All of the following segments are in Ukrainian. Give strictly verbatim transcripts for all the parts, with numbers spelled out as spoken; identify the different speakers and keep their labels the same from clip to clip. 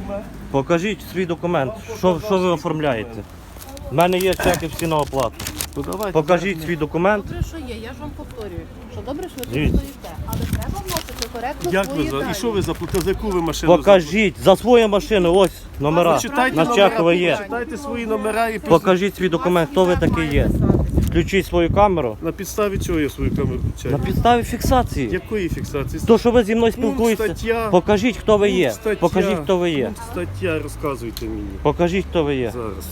Speaker 1: документ?
Speaker 2: Покажіть свій документ. Що, що ви оформляєте? У мене є чеки всі на оплату.
Speaker 1: Ну, давайте.
Speaker 2: Покажіть свій документ.
Speaker 3: Добре, що є, я ж вам повторюю, що добре, що ви
Speaker 2: Дивіться.
Speaker 3: тут стоїте, але треба вносити коректно
Speaker 1: Як
Speaker 3: свої
Speaker 1: ви за...
Speaker 3: дані.
Speaker 1: І що ви заплатили? За яку ви машину?
Speaker 2: Покажіть за свою машину, ось номера.
Speaker 1: Почитайте
Speaker 2: На
Speaker 1: номера,
Speaker 2: чекове є.
Speaker 1: почитайте свої номера і пос-
Speaker 2: Покажіть свій документ, хто ви такий є. Включіть свою камеру.
Speaker 1: На підставі чого я свою камеру
Speaker 2: На
Speaker 1: включаю?
Speaker 2: підставі фіксації.
Speaker 1: Якої фіксації?
Speaker 2: То, що ви зі мною
Speaker 1: Пункт,
Speaker 2: спілкуєтеся,
Speaker 1: стаття.
Speaker 2: покажіть, хто ви є.
Speaker 1: Пункт, стаття.
Speaker 2: Покажіть, хто ви є.
Speaker 1: Пункт, стаття, розказуйте мені.
Speaker 2: Покажіть, хто ви є.
Speaker 1: Зараз.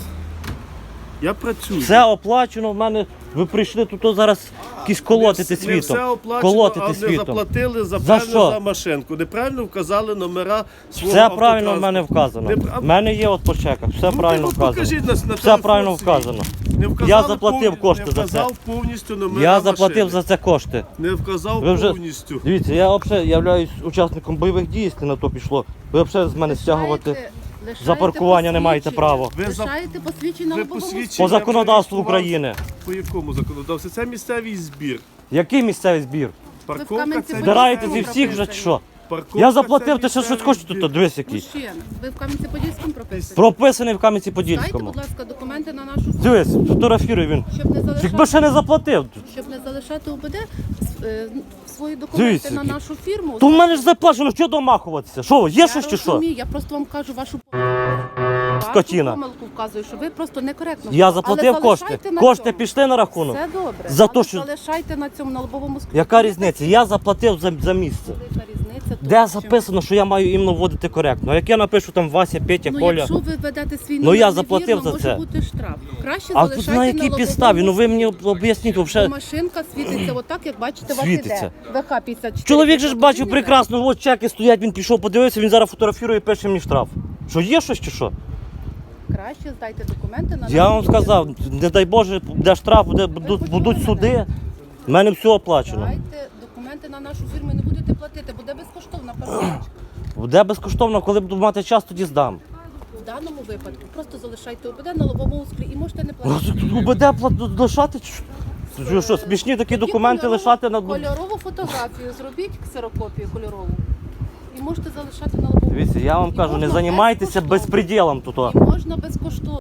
Speaker 1: Я працюю.
Speaker 2: Все оплачено в мене. Ви прийшли тут зараз якісь колотити
Speaker 1: Не все- Не
Speaker 2: світом.
Speaker 1: все оплачено,
Speaker 2: Колотити
Speaker 1: а не
Speaker 2: світом.
Speaker 1: заплатили за,
Speaker 2: За
Speaker 1: певно,
Speaker 2: що?
Speaker 1: за машинку. Неправильно вказали номера свого
Speaker 2: Все правильно в
Speaker 1: автотранспорту.
Speaker 2: мене вказано.
Speaker 1: Не пра-
Speaker 2: В мене є от по чеках, все
Speaker 1: Ну,
Speaker 2: правильно
Speaker 1: ти от
Speaker 2: вказано.
Speaker 1: покажіть нас на
Speaker 2: Все
Speaker 1: телефон
Speaker 2: правильно
Speaker 1: свій.
Speaker 2: вказано.
Speaker 1: Не вказали
Speaker 2: Я заплатив
Speaker 1: повні-
Speaker 2: кошти
Speaker 1: не
Speaker 2: за це.
Speaker 1: вказав повністю номера
Speaker 2: Я заплатив
Speaker 1: машини.
Speaker 2: за це кошти.
Speaker 1: Не вказав
Speaker 2: Ви вже-
Speaker 1: повністю.
Speaker 2: Дивіться, я взагалі являюсь учасником бойових дій, якщо на то пішло. Ви взагалі з мене стягувати
Speaker 3: Лишаєте- лишаєте
Speaker 2: за паркування не маєте
Speaker 3: посвідчення.
Speaker 2: права.
Speaker 1: Ви за-
Speaker 3: Лишаєте посвідчення
Speaker 1: ви
Speaker 3: на лобовому
Speaker 1: посвідчення-
Speaker 2: По законодавству
Speaker 1: зареєстрував.
Speaker 2: України.
Speaker 1: По якому законодавству? Це місцевий збір.
Speaker 2: Який місцевий збір?
Speaker 1: Парковка
Speaker 3: Кам'янці
Speaker 1: це
Speaker 3: Збираєте
Speaker 2: Збираєте зі всіх вже чи що?
Speaker 1: Парковка
Speaker 2: Я
Speaker 1: це
Speaker 2: заплатив, ти ще щось
Speaker 1: місцевий
Speaker 2: хочеш
Speaker 1: збір.
Speaker 2: тут, дивись який.
Speaker 3: Мужчин, ви в Кам'янці-Подільському прописані?
Speaker 2: Прописаний в
Speaker 3: Дайте,
Speaker 2: Кам'янці-Подільському.
Speaker 3: будь ласка, документи на нашу фірму,
Speaker 2: Дивись, фотографіруй він.
Speaker 3: щоб не
Speaker 2: Якби
Speaker 3: залишати,
Speaker 2: ще не заплатив.
Speaker 3: щоб не залишати УБД е, свої документи
Speaker 2: Дивіться,
Speaker 3: на
Speaker 2: який.
Speaker 3: нашу фірму.
Speaker 2: То в мене ж заплачено, що домахуватися? Що, є
Speaker 3: Я
Speaker 2: щось чи що?
Speaker 3: розумію, я просто вам кажу вашу
Speaker 2: Скотіна.
Speaker 3: Вашу помилку вказую, що ви просто некоректно.
Speaker 2: Я
Speaker 3: Але
Speaker 2: заплатив кошти.
Speaker 3: залишайте на
Speaker 2: Кошти
Speaker 3: цьому.
Speaker 2: пішли на рахунок.
Speaker 3: Все добре.
Speaker 2: За
Speaker 3: Але
Speaker 2: то, що-
Speaker 3: залишайте на цьому на лобовому склі.
Speaker 2: Яка різниця? Я заплатив за, за місце.
Speaker 3: Яка різниця? тут?
Speaker 2: Де
Speaker 3: Чим?
Speaker 2: записано, що я маю іменно вводити коректно? А як я напишу там Вася, Петя,
Speaker 3: Ну,
Speaker 2: Коля?
Speaker 3: якщо ви ведете свій
Speaker 2: Ну,
Speaker 3: номер
Speaker 2: я заплатив
Speaker 3: невірно,
Speaker 2: за
Speaker 3: може
Speaker 2: це.
Speaker 3: бути штраф. Краще
Speaker 2: А
Speaker 3: залишайте
Speaker 2: на якій
Speaker 3: лобовому
Speaker 2: підставі? Ну ви мені
Speaker 3: склі.
Speaker 2: об'ясніть
Speaker 3: Бо
Speaker 2: взагалі.
Speaker 3: машинка світиться отак, як бачите,
Speaker 2: Світиться.
Speaker 3: вас іде. ВХ п'ятдесят чотири.
Speaker 2: Чоловік же ж бачив
Speaker 3: Розумієте?
Speaker 2: прекрасно, от чеки стоять, він пішов, подивився, він зараз фотографує і пише мені штраф. Що є щось чи що?
Speaker 3: Краще здайте документи на
Speaker 2: Я
Speaker 3: нашу
Speaker 2: вам
Speaker 3: фірму.
Speaker 2: сказав, не дай Боже, буде штраф, буде, будуть, будуть суди. У мене все оплачено.
Speaker 3: Дайте документи на нашу фірму і не будете платити, буде безкоштовна парковочка.
Speaker 2: Буде безкоштовно, коли буду мати час, тоді здам.
Speaker 3: В даному випадку просто залишайте УБД на лобовому склі і можете не
Speaker 2: Ну,
Speaker 3: платити.
Speaker 2: буде пла- лишати? чи що? Що, що, смішні такі
Speaker 3: Тоді
Speaker 2: документи
Speaker 3: кольорову-
Speaker 2: лишати на...
Speaker 3: Кольорову фотографію зробіть, ксерокопію кольорову. І можете залишати на лобовому.
Speaker 2: Дивіться, я вам
Speaker 3: І
Speaker 2: кажу, не
Speaker 3: можна
Speaker 2: займайтеся
Speaker 3: безкоштовно.
Speaker 2: безпреділом тут. о.
Speaker 3: І можна безкоштовно.